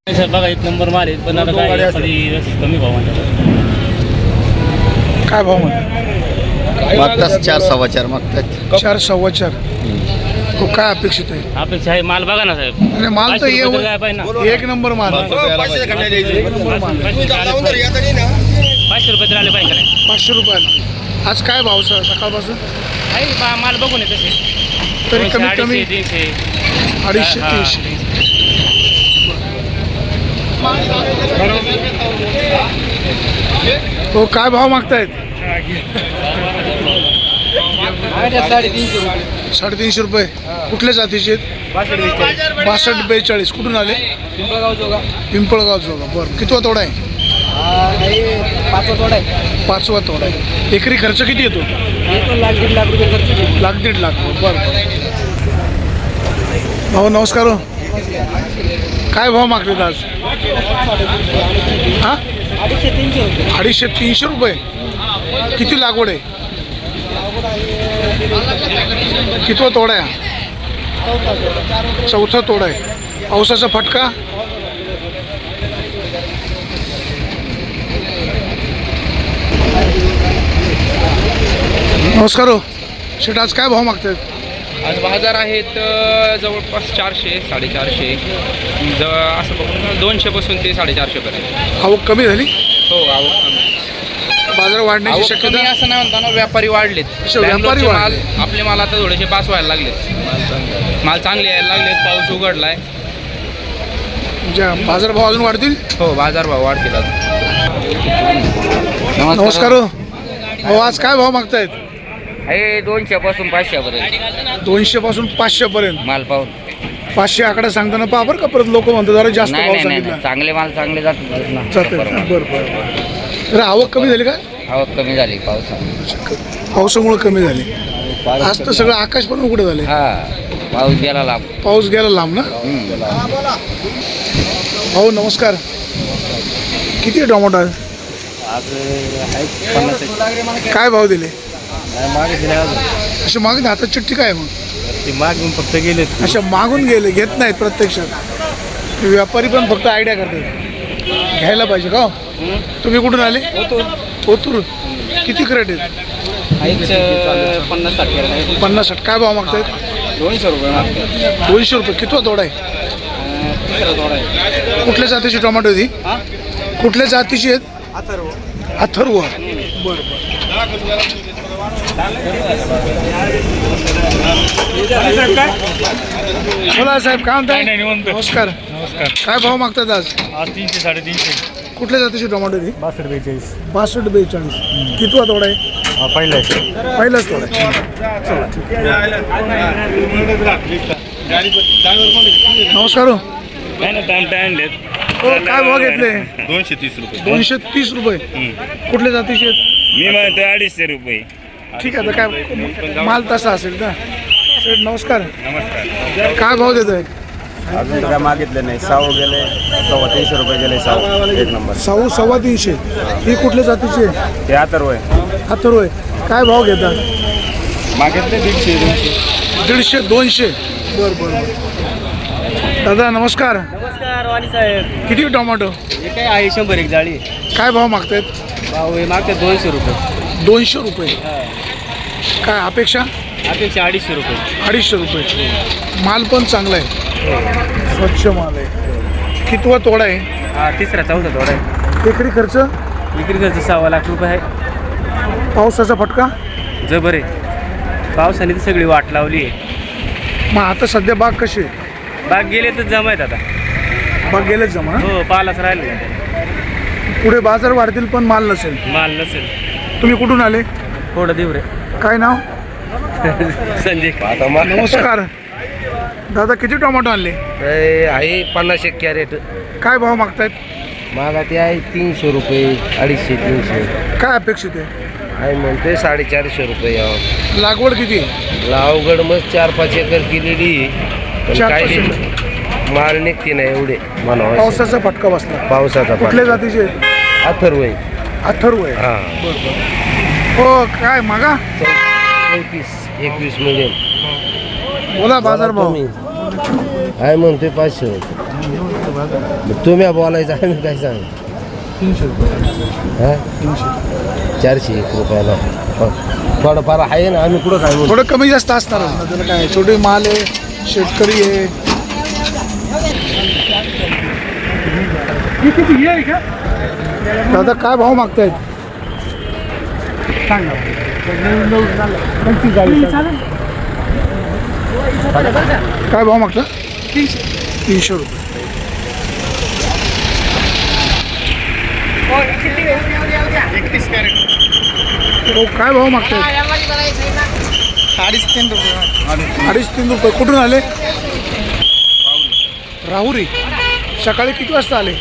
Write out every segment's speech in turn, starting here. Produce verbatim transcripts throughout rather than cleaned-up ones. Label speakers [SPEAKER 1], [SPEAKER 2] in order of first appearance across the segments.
[SPEAKER 1] बघा एक नंबर माल आहे, पण आता काय खाली कमी भाव म्हणतात.
[SPEAKER 2] काय भाव म्हणतात?
[SPEAKER 3] मागतात चार सव्वा चार मागतात.
[SPEAKER 2] चार सव्वा चार. हो, काय अपेक्षित आहे?
[SPEAKER 1] अपेक्षा आहे माल बघा ना साहेब.
[SPEAKER 2] आणि माल तर
[SPEAKER 1] पाचशे
[SPEAKER 2] ये
[SPEAKER 1] रुपये काय पाहिजे ना.
[SPEAKER 2] एक नंबर माल आहे.
[SPEAKER 1] पाचशे रुपये तर आले पाहिजे का नाही.
[SPEAKER 2] पाचशे रुपयाला आज काय भाव सर सकाळपासून?
[SPEAKER 1] आहे बा माल बघून आहे तसे
[SPEAKER 2] तरी कमीत कमी
[SPEAKER 1] अडीचशे तीनशे
[SPEAKER 2] अडीचशे
[SPEAKER 1] हा,
[SPEAKER 2] तीनशे. हो, काय भाव मागतायत? साडेतीनशे रुपये. कुठल्या जातीचे आहेत? बासष्ट बेचाळीस. कुठून आले?
[SPEAKER 4] पिंपळगाव जोगा.
[SPEAKER 2] पिंपळगाव जोगा. बरं, कितवा तोडा आहे?
[SPEAKER 4] पाचवा तोडा आहे.
[SPEAKER 2] पाचवा तोडा आहे. एकरी खर्च किती येतो?
[SPEAKER 4] लाख दीड लाख रुपये खर्च.
[SPEAKER 2] लाख दीड लाख. बरं बरं. भाऊ नमस्कार. हो, काय भाव मागतात आज? हां,
[SPEAKER 4] अडीचशे तीनशे रुपये.
[SPEAKER 2] अडीचशे तीनशे रुपये. किती लागवड आहे? कितवा तोडा आहे? चौथा तोडा आहे. पावसाचा फटका? नमस्कार. हो शेट, आज काय भाव मागतात?
[SPEAKER 5] आज बाजार आहेत जवळपास चारशे साडेचारशे जवळ असं बघून दोनशेपासून ते साडेचारशेपर्यंत.
[SPEAKER 2] आवक कमी झाली?
[SPEAKER 5] हो आवक कमी.
[SPEAKER 2] बाजार वाढण्याची
[SPEAKER 5] आवक कमी
[SPEAKER 2] शक्यता?
[SPEAKER 5] असं नाही म्हणताना व्यापारी वाढलेत.
[SPEAKER 2] अच्छा, व्यापारी
[SPEAKER 5] बँगलोरचे माल
[SPEAKER 2] वाढले.
[SPEAKER 5] आपले माल आता थोडेसे पास व्हायला लागलेत. माल चांगले यायला लागलेत. पाऊस उघडलाय.
[SPEAKER 2] म्हणजे बाजार भाव अजून वाढतील?
[SPEAKER 5] हो बाजारभाव वाढतील आता.
[SPEAKER 2] नमस्कार. हो अहो, आज काय भाव मागतायत?
[SPEAKER 6] हे दोनशे पासून पाचशे पर्यंत
[SPEAKER 2] दोनशे पासून पाचशे पर्यंत.
[SPEAKER 6] माल पाहून.
[SPEAKER 2] पाचशे आकडा सांगताना पहा बरं का, परत लोक म्हणतात जरा जास्त
[SPEAKER 6] नाही
[SPEAKER 2] भाव
[SPEAKER 6] नाही नाही
[SPEAKER 2] सांगितला.
[SPEAKER 6] नाही. चांगले माल चांगले जातात ना.
[SPEAKER 2] जाते. बरं बरं बरं. तर आवक कमी झाली का?
[SPEAKER 6] आवक कमी झाली पावसात.
[SPEAKER 2] पावसामुळे कमी झाली. आज तर सगळं आकाश पण उघडं झाले.
[SPEAKER 6] हा पाऊस गेला लांब.
[SPEAKER 2] पाऊस गेला लांब ना. भाऊ नमस्कार. किती आहे टोमॅटो आज? काय भाव दिले? असे मागे हातात चिठ्ठी काय मग?
[SPEAKER 1] मागून फक्त गेले.
[SPEAKER 2] अशा मागून गेले, घेत नाहीत प्रत्यक्षात. व्यापारी पण फक्त आयडिया करतात. घ्यायला पाहिजे का? तुम्ही कुठून आले? ओतूर. किती क्रेट आहेत?
[SPEAKER 4] पन्नास साठ केला.
[SPEAKER 2] पन्नास साठ. काय भाव मागतायत?
[SPEAKER 4] दोनशे रुपये मागते.
[SPEAKER 2] दोनशे रुपये. कितवा तोडा आहे?
[SPEAKER 4] तिसरा तोडा आहे.
[SPEAKER 2] कुठल्या जातीची टोमॅटो ती?
[SPEAKER 4] हा
[SPEAKER 2] कुठल्या जातीची आहेत?
[SPEAKER 4] अथर्व.
[SPEAKER 2] अथर्व. बरं बरं. बोला साहेब, काय म्हणताय? नमस्कार.
[SPEAKER 1] नमस्कार.
[SPEAKER 2] काय भाव मागतात आज?
[SPEAKER 1] आज तीनशे साडेतीनशे.
[SPEAKER 2] कुठल्या जातीची टोमॅटो ती?
[SPEAKER 1] बासष्ट बेचाळीस.
[SPEAKER 2] बासष्ट बेचाळीस. कितवा तोडा आहे?
[SPEAKER 1] पहिला आहे.
[SPEAKER 2] पहिलाच तोडा आहे. चला ठीक आहे. नमस्कार. हो
[SPEAKER 1] काय ना टाइम टाइम लेत.
[SPEAKER 2] हो, काय भाव घेतले?
[SPEAKER 1] दोनशे तीस रुपये.
[SPEAKER 2] दोनशे तीस रुपये. कुठल्या जातीचे आहेत?
[SPEAKER 1] मी म्हणतो अडीचशे रुपये.
[SPEAKER 2] ठीक आहे. आता काय माल तसा असेल ना. शेठ नमस्कार.
[SPEAKER 1] नमस्कार.
[SPEAKER 2] काय भाव देत आहे?
[SPEAKER 7] अजून काय मागितले नाही. साऊ गेले सव्वा तीनशे रुपये गेले. साऊ एक नंबर.
[SPEAKER 2] साऊ सव्वा तीनशे. ही कुठल्या जातीची आहे?
[SPEAKER 7] ते अथर्व आहे.
[SPEAKER 2] अथर्व आहे. काय भाव घेतात?
[SPEAKER 7] मागितले दीडशे दोनशे.
[SPEAKER 2] दीडशे दोनशे. बरं बरं बरं. दादा नमस्कार.
[SPEAKER 4] नमस्कार वाणी साहेब.
[SPEAKER 2] किती टोमॅटो?
[SPEAKER 4] हे काय आहे शंभर एक जाळी.
[SPEAKER 2] काय भाव मागतायत?
[SPEAKER 4] भाऊ हे मागते दोनशे रुपये.
[SPEAKER 2] दोनशे रुपये. काय अपेक्षा?
[SPEAKER 4] अपेक्षा अडीचशे रुपये.
[SPEAKER 2] अडीचशे रुपये. माल पण चांगला आहे. स्वच्छ माल आहे. कितवा तोडा आहे?
[SPEAKER 4] हा तिसरा चौथा तोडा आहे.
[SPEAKER 2] एकरी खर्च?
[SPEAKER 4] विक्री खर्च सव्वा लाख रुपये आहे.
[SPEAKER 2] पावसाचा फटका?
[SPEAKER 4] जबर आहे. पावसाने तर सगळी वाट लावली आहे.
[SPEAKER 2] मग आता सध्या बाग कशी आहे?
[SPEAKER 4] बाग गेले तर जमा आहेत आता.
[SPEAKER 2] बाग गेलेच जमा.
[SPEAKER 4] हो पालाच राहिले.
[SPEAKER 2] पुढे बाजार वाढतील पण माल नसेल.
[SPEAKER 4] माल नसेल.
[SPEAKER 2] तुम्ही कुठून आले?
[SPEAKER 4] थोडं देऊ रे.
[SPEAKER 2] काय नाव?
[SPEAKER 4] संजय.
[SPEAKER 2] नमस्कार. दादा किती टोमॅटो आणले?
[SPEAKER 6] आहे पन्नास एक कॅरेट.
[SPEAKER 2] काय भाव मागतायत?
[SPEAKER 6] मागा ते आहे तीनशे रुपये अडीचशे तीनशे.
[SPEAKER 2] काय अपेक्षित आहे?
[SPEAKER 6] आहे म्हणते साडेचारशे रुपये यावं.
[SPEAKER 2] लागवड किती आहे?
[SPEAKER 6] लावगड मग चार पाच एकर केलेली. पण
[SPEAKER 2] चार
[SPEAKER 6] काय
[SPEAKER 2] पाच
[SPEAKER 6] नाही.
[SPEAKER 2] एकर.
[SPEAKER 6] माल निघते नाही एवढे म्हणावं.
[SPEAKER 2] पावसाचा फटका बसला.
[SPEAKER 6] पावसाचा
[SPEAKER 2] कुठल्या जातीचे?
[SPEAKER 6] अथर्व आहे.
[SPEAKER 2] अथर्व आहे.
[SPEAKER 6] हा
[SPEAKER 2] हो काय मागा?
[SPEAKER 6] चौतीस एकवीस मिडियम.
[SPEAKER 2] बोला बाजार भाव.
[SPEAKER 6] आहे म्हणते पाचशे रुपये. मग तुम्ही बोलायचं आम्ही काय सांग
[SPEAKER 2] तीनशे रुपये
[SPEAKER 6] हा चारशे एक रुपयाला हो. थोडंफार आहे ना आम्ही कुठं काय बोलू?
[SPEAKER 2] थोडं कमी जास्त असणारच ना त्याला काय छोटे माल आहे शेतकरी आहे दादा काय भाव मागतायत सांगा काय भाव मागता तीनशे रुपये हो काय भाव मागतायत
[SPEAKER 3] अडीच तीन रुपये
[SPEAKER 2] अडीच तीन रुपये कुठून आले राहुरी सकाळी किती वाजता आले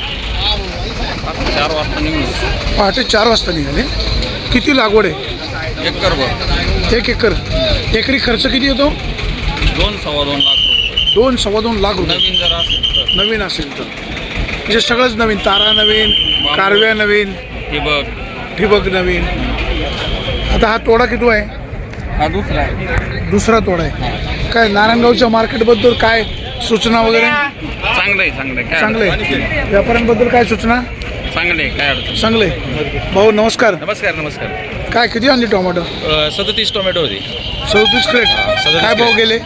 [SPEAKER 3] चार वाजता निघून
[SPEAKER 2] पहाटे चार वाजता निघाले किती लागवड आहे
[SPEAKER 3] एकर वर
[SPEAKER 2] एक एकर एकरी खर्च किती येतो
[SPEAKER 3] दोन सव्वा दोन लाख रुपये
[SPEAKER 2] दोन सव्वा दोन लाख रुपये
[SPEAKER 3] नवीन जर असेल तर
[SPEAKER 2] नवीन असेल तर म्हणजे सगळंच नवीन तारा नवीन कारव्या नवीन
[SPEAKER 3] ठिबक
[SPEAKER 2] ठिबक नवीन आता हा तोडा किती आहे
[SPEAKER 3] हा दुसरा आहे
[SPEAKER 2] दुसरा तोडा आहे काय नारायणगावच्या मार्केटबद्दल काय सूचना वगैरे
[SPEAKER 3] चांगलं आहे चांगलं आहे काय
[SPEAKER 2] चांगले
[SPEAKER 3] अडचण
[SPEAKER 2] व्यापाऱ्यांबद्दल काय सूचना
[SPEAKER 3] नाही. चांगलं आहे काय अडचण
[SPEAKER 2] चांगले भाऊ नमस्कार
[SPEAKER 5] नमस्कार नमस्कार
[SPEAKER 2] काय किती आणली टोमॅटो
[SPEAKER 5] सदतीस टोमॅटो होती
[SPEAKER 2] सदतीस क्रेट
[SPEAKER 5] सदतीस
[SPEAKER 2] काय भाव
[SPEAKER 5] crate.
[SPEAKER 2] गेले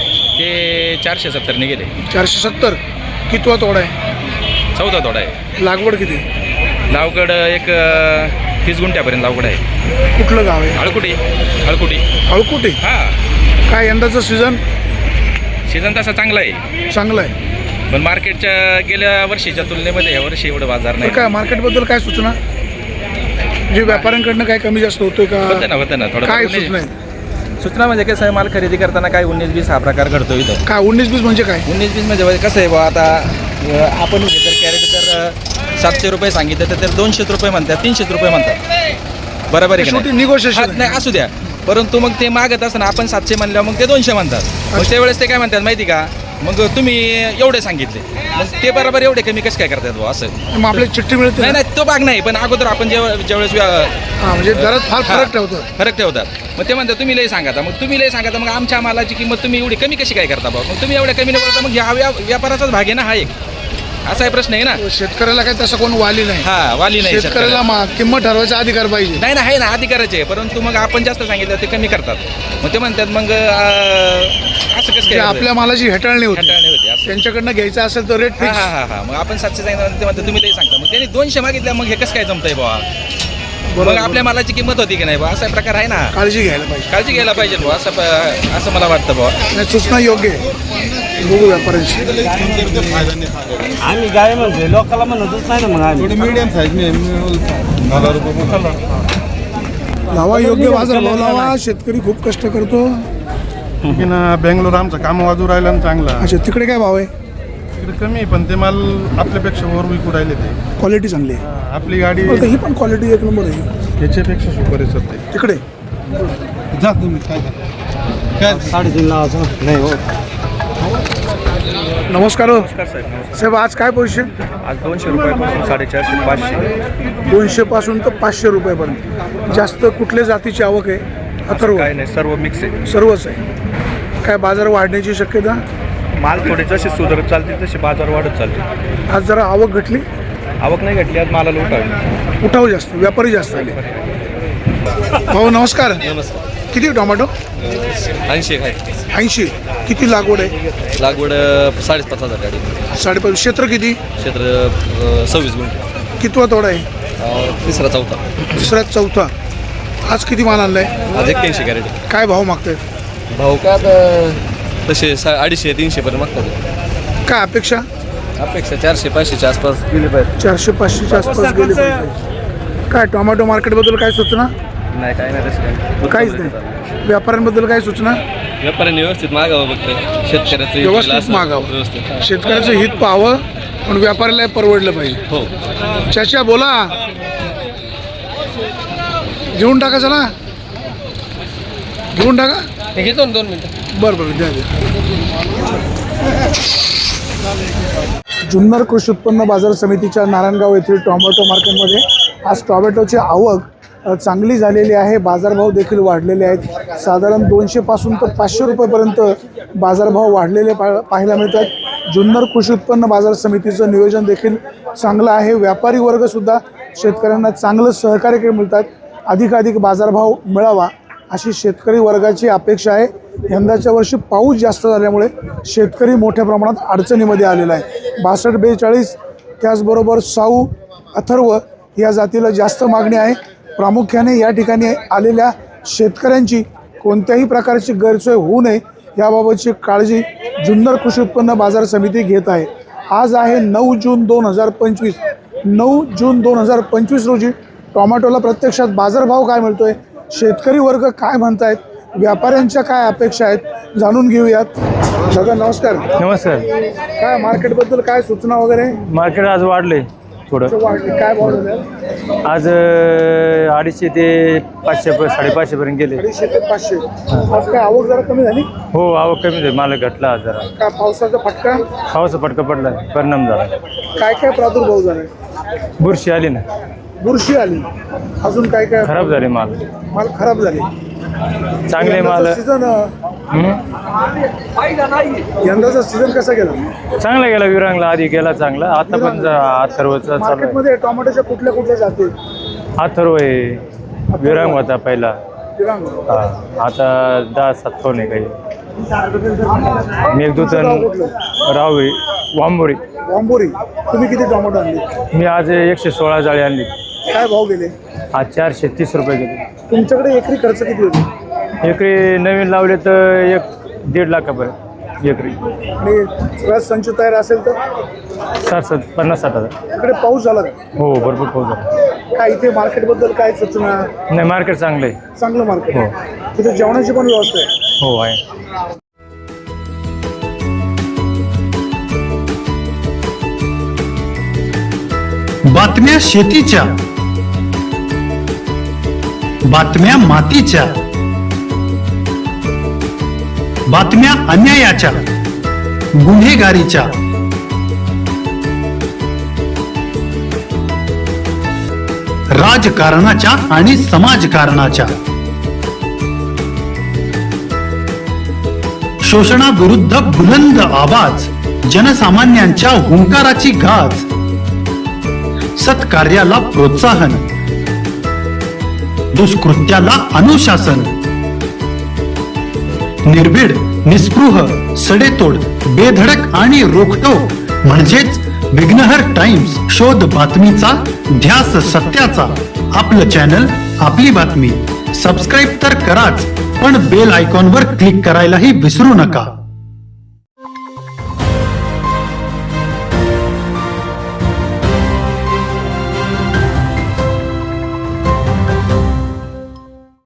[SPEAKER 5] ते चारशे सत्तरने गेले
[SPEAKER 2] चारशे सत्तर कितवा तोडा आहे
[SPEAKER 5] चौदा तोडा आहे
[SPEAKER 2] लागवड किती
[SPEAKER 5] लावगड एक अ, तीस गुंठ्यापर्यंत लावगड आहे
[SPEAKER 2] कुठलं गाव आहे
[SPEAKER 5] हळकुटी हळकुटी
[SPEAKER 2] अळकुटे
[SPEAKER 5] हां
[SPEAKER 2] काय यंदाचं सीझन
[SPEAKER 5] सीझन तसा चांगला आहे
[SPEAKER 2] चांगलं आहे
[SPEAKER 5] पण मार्केटच्या गेल्या वर्षीच्या तुलनेमध्ये या वर्षी एवढं बाजार
[SPEAKER 2] तर
[SPEAKER 5] नाही
[SPEAKER 2] काय मार्केटबद्दल काय सूचना जे व्यापाऱ्यांकडनं काय कमी जास्त होतोय का
[SPEAKER 5] होतं ना होतं ना थोडं
[SPEAKER 2] काय
[SPEAKER 5] कमी-
[SPEAKER 2] सूचना आहे
[SPEAKER 8] सूचना म्हणजे कसं आहे माल खरेदी करताना काय उन्नीस बीस हा प्रकार घडतो इथं
[SPEAKER 2] काय उन्नीस बीस म्हणजे काय
[SPEAKER 8] उन्नीस बीस म्हणजे कसं आहे बा आता अ, आपण जर कॅरेट जर अ, सातशे रुपये सांगितलं तर ते दोनशेच रुपये म्हणतात तीनशेच रुपये म्हणतात बरोबर आहे की
[SPEAKER 2] शेवटी
[SPEAKER 8] नाही?
[SPEAKER 2] negotiation
[SPEAKER 8] हा, नाही असू द्या परंतु मग ते मागत असताना आपण सातशे म्हणल्यावर मग ते दोनशे म्हणतात मग त्यावेळेस ते काय म्हणतात माहिती का मग तुम्ही एवढे सांगितले मग ते बरोबर एवढे कमी कसं काय करतात बुवा असं
[SPEAKER 2] मग आपल्याला चिठ्ठी मिळते
[SPEAKER 8] नाही
[SPEAKER 2] ना?
[SPEAKER 8] नाही तो भाग नाही पण अगोदर आपण जेव्हा ज्यावेळेस व्या-
[SPEAKER 2] हा म्हणजे दरात फार
[SPEAKER 8] हा,
[SPEAKER 2] फरक ठेवतात
[SPEAKER 8] फरक ठेवतात मग ते म्हणतात तुम्ही लय सांगा मग तुम्ही लय सांगा मग आमच्या मालाची किंमत तुम्ही एवढी कमी कशी काय करता भाऊ मग तुम्ही एवढ्या कमी नाही बोलता मग ह्या व्या व्यापाराचाच भाग आहे ना हा एक असा आहे प्रश्न आहे ना
[SPEAKER 2] शेतकऱ्याला काय तसं कोण वाली नाही
[SPEAKER 8] हा वाली नाही
[SPEAKER 2] शेतकऱ्याला
[SPEAKER 8] शेतकऱ्याला.
[SPEAKER 2] मा- किंमत ठरवायचा अधिकार पाहिजे
[SPEAKER 8] नाही ना आहे ना अधिकाराचे आहे परंतु मग आपण जास्त सांगितलं ते कमी करतात मग ते म्हणतात मग अं, असं कसं
[SPEAKER 2] जे
[SPEAKER 8] काय
[SPEAKER 2] आपल्या मालाची हेटाळणी होती
[SPEAKER 8] हेटाळणी होते असं
[SPEAKER 2] त्यांच्याकडनं घ्यायचं असेल तर रेट
[SPEAKER 8] हा
[SPEAKER 2] फिक्स
[SPEAKER 8] हा हा हा मग आपण सातशे सांगितलं ते म्हणतात तुम्ही लई सांगता मग त्यांनी दोनशे मागितल्या मग हे कसं काय जमतंय बुवा मग आपल्या मालाची किंमत होती की नाही बुवा असा प्रकार आहे ना
[SPEAKER 2] काळजी घ्यायला पाहिजे
[SPEAKER 8] काळजी घ्यायला पाहिजे बुवा असं प- असं मला वाटतं बुवा
[SPEAKER 2] नाही, सूचना योग्य आहे बघू व्यापाऱ्यांशी
[SPEAKER 1] आम्ही गाय म्हणतोय लोकांना म्हणतच नाही ना मग आम्ही
[SPEAKER 7] मीडियम साईज
[SPEAKER 2] लावा योग्य बाजार भाव लावा शेतकरी खूप कष्ट करतो
[SPEAKER 9] ना बेंगलोर आमचं काम वाजू राहिलं ना चांगला
[SPEAKER 2] अच्छा तिकडे काय भाव आहे
[SPEAKER 9] तिकडे कमी आहे, पण ते माल आपल्यापेक्षा वर विकू राहिले ते
[SPEAKER 2] क्वालिटी चांगली आहे
[SPEAKER 9] आपली गाडी
[SPEAKER 2] बरं, ही पण क्वालिटी एक नंबर आहे
[SPEAKER 9] याच्यापेक्षा सुपर आहे सध्या
[SPEAKER 2] तिकडे
[SPEAKER 7] जा तुम्ही काय काय
[SPEAKER 1] साडेतीन लावायचं नाही हो
[SPEAKER 2] नमस्कार हो
[SPEAKER 4] नमस्कार साहेब नमस्कार.
[SPEAKER 2] साहेब आज काय पोझिशन
[SPEAKER 4] आज दोनशे रुपयापासून साडेचारशे पाचशे
[SPEAKER 2] दोनशे पासून तर पाचशे रुपयापर्यंत जास्त कुठल्या जातीची आवक आहे अथर्व
[SPEAKER 4] काय नाही सर्व मिक्स आहे
[SPEAKER 2] सर्वच आहे काय बाजार वाढण्याची शक्यता
[SPEAKER 4] माल थोडे जसे सुधारत चालतील तसे बाजार वाढत चालतील
[SPEAKER 2] आज जरा आवक घटली
[SPEAKER 4] आवक नाही घटली आज मालाला उठावी
[SPEAKER 2] उठाव जास्त व्यापारी जास्त आले भाऊ नमस्कार
[SPEAKER 5] नमस्कार
[SPEAKER 2] किती टोमॅटो
[SPEAKER 5] ऐंशी आहे
[SPEAKER 2] ऐंशी किती लागवड आहे
[SPEAKER 5] लागवड साडेपाच हजार गाडी
[SPEAKER 2] साडेपाच क्षेत्र किती
[SPEAKER 5] क्षेत्र सव्वीस गुंठे
[SPEAKER 2] कितवा तोडा आहे
[SPEAKER 5] तिसरा चौथा
[SPEAKER 2] तिसरा चौथा आज किती माल आणलाय
[SPEAKER 5] आज एक्क्याऐंशी कॅरेट
[SPEAKER 2] काय भाव मागतायत
[SPEAKER 5] भाऊ का आता तसे सा अडीचशे तीनशे पर्यंत मागतात
[SPEAKER 2] काय अपेक्षा
[SPEAKER 5] अपेक्षा चारशे पाचशेच्या आसपास गेले पाहिजे
[SPEAKER 2] चारशे पाचशेच्या आसपास गेले पाहिजे काय टोमॅटो मार्केटबद्दल काय सूचना
[SPEAKER 4] नाही काय नाही तसं काय
[SPEAKER 2] काहीच नाही व्यापाऱ्यांबद्दल काय सूचना
[SPEAKER 5] व्यापाऱ्यांनी व्यवस्थित मागावं बघतं शेतकऱ्याचं
[SPEAKER 2] व्यवस्थित मागावं
[SPEAKER 5] व्यवस्थित
[SPEAKER 2] शेतकऱ्याचं हित पाहावं पण व्यापाऱ्याला परवडलं पाहिजे
[SPEAKER 5] हो
[SPEAKER 2] चाचा बोला घेऊन टाका चला घेऊन टाका
[SPEAKER 5] घेतो ना दोन मिनटं
[SPEAKER 2] बरं बरं द्या द्या जुन्नर कृषी उत्पन्न बाजार समितीच्या नारायणगाव येथील टोमॅटो मार्केटमध्ये आज टोमॅटोची आवक अ, चांगली झालेली आहे बाजारभाव देखील वाढलेले आहेत साधारण दोनशेपासून तर पाचशे रुपयेपर्यंत बाजारभाव वाढलेले पा पाहायला मिळतात जुन्नर कृषी उत्पन्न बाजार समितीचं नियोजन देखील चांगलं आहे. व्यापारी वर्गसुद्धा शेतकऱ्यांना चांगलं सहकार्य मिळतात. अधिकाधिक बाजारभाव मिळावा अशी शेतकरी वर्गाची अपेक्षा आहे. यंदाच्या वर्षी पाऊस जास्त झाल्यामुळे शेतकरी मोठ्या प्रमाणात अडचणीमध्ये आलेला आहे. बासष्ट बेचाळीस त्याचबरोबर साऊ अथर्व या जातीला जास्त मागणी आहे. प्रामुख्याने या ठिकाणी आलेल्या शेतकऱ्यांची कोणत्याही प्रकारची गैरसोय होऊ नये याबाबतची काळजी जुन्नर कृषी उत्पन्न बाजार समिती घेत आहे. आज आहे नऊ जून दोन हजार पंचवीस. नऊ जून दोन हजार पंचवीस रोजी टोमॅटोला प्रत्यक्षात बाजारभाव काय मिळतोय, शेतकरी वर्ग काय म्हणतायत, व्यापाऱ्यांच्या काय अपेक्षा आहेत जाणून घेऊयात. दादा नमस्कार.
[SPEAKER 4] नमस्कार.
[SPEAKER 2] काय मार्केटबद्दल काय सूचना वगैरे?
[SPEAKER 4] मार्केट आज वाढले थोडं.
[SPEAKER 2] वाढले काय भाव झाले?
[SPEAKER 4] आज अं, अडीचशे ते पाचशे प- साडेपाचशेपर्यंत गेले.
[SPEAKER 2] अडीचशे ते पाचशे. आज काय आवक जरा कमी झाली?
[SPEAKER 4] हो, आवक कमी झाली, माल घटला आज जरा.
[SPEAKER 2] काय पावसाचा फटका?
[SPEAKER 4] पावसा फटका पडला, परिणाम झाला.
[SPEAKER 2] काय काय प्रादुर्भाव झालाय?
[SPEAKER 4] बुरशी आली ना,
[SPEAKER 2] बुरशी आली. अजून काय काय
[SPEAKER 4] खराब झाले माल.
[SPEAKER 2] माल खराब झाले.
[SPEAKER 4] चांगले माल.
[SPEAKER 2] सीझन
[SPEAKER 4] हं?
[SPEAKER 2] यंदाचा सीझन कसा गेला?
[SPEAKER 4] चांगला गेला. विरांगला आधी गेला चांगला. आता पण अथर्वचा चालू आहे.
[SPEAKER 2] मार्केटमध्ये टोमॅटोच्या कुठल्या कुठल्या जाती?
[SPEAKER 4] अथर्व आहे, विरांग होता पहिला.
[SPEAKER 2] विरांग.
[SPEAKER 4] हा, आता दहा सात फोन आहे काही. मेघदूतन, राहुरी, वांबोरी.
[SPEAKER 2] वांबोरी. तुम्ही किती टोमॅटो आणले?
[SPEAKER 4] मी आज एकशे सोळा जाळी आणली.
[SPEAKER 2] काय भाव गेले?
[SPEAKER 4] आज चारशे तीस रुपये गेले.
[SPEAKER 2] तुमच्याकडे एकरी खर्च किती होते?
[SPEAKER 4] एकरी नवीन लावले तर एक दीड लाखापर्यंत एकरी.
[SPEAKER 2] आणि सगळा संच तयार असेल तर
[SPEAKER 4] सात सात पन्नास साठ हजार.
[SPEAKER 2] इकडे पाऊस झाला का?
[SPEAKER 4] हो, भरपूर पाऊस झाला.
[SPEAKER 2] काय इथे मार्केटबद्दल काय सूचना?
[SPEAKER 4] नाही, मार्केट चांगलं आहे.
[SPEAKER 2] चांगलं मार्केट आहे. तिथे जेवणाची पण व्यवस्था आहे?
[SPEAKER 4] हो, आहे.
[SPEAKER 10] बातम्या शेतीच्या, बातम्या मातीच्या, बातम्या अन्यायाच्या, गुन्हेगारीच्या, राजकारणाच्या आणि समाजकारणाच्या, शोषणाविरुद्ध बुलंद आवाज, जनसामान्यांच्या हुंकाराची गाज, सत्कार्याला प्रोत्साहन, दुष्कृत्याला अनुशासन, निर्भीड, निस्पृह, सडेतोड, बेधडक आणि रोखटोक म्हणजेच विघ्नहर टाइम्स. शोध बातमीचा, ध्यास सत्याचा. आपलं चॅनल, आपली बातमी. सबस्क्राईब तर कराच, पण बेल आयकॉनवर क्लिक करायलाही विसरू नका.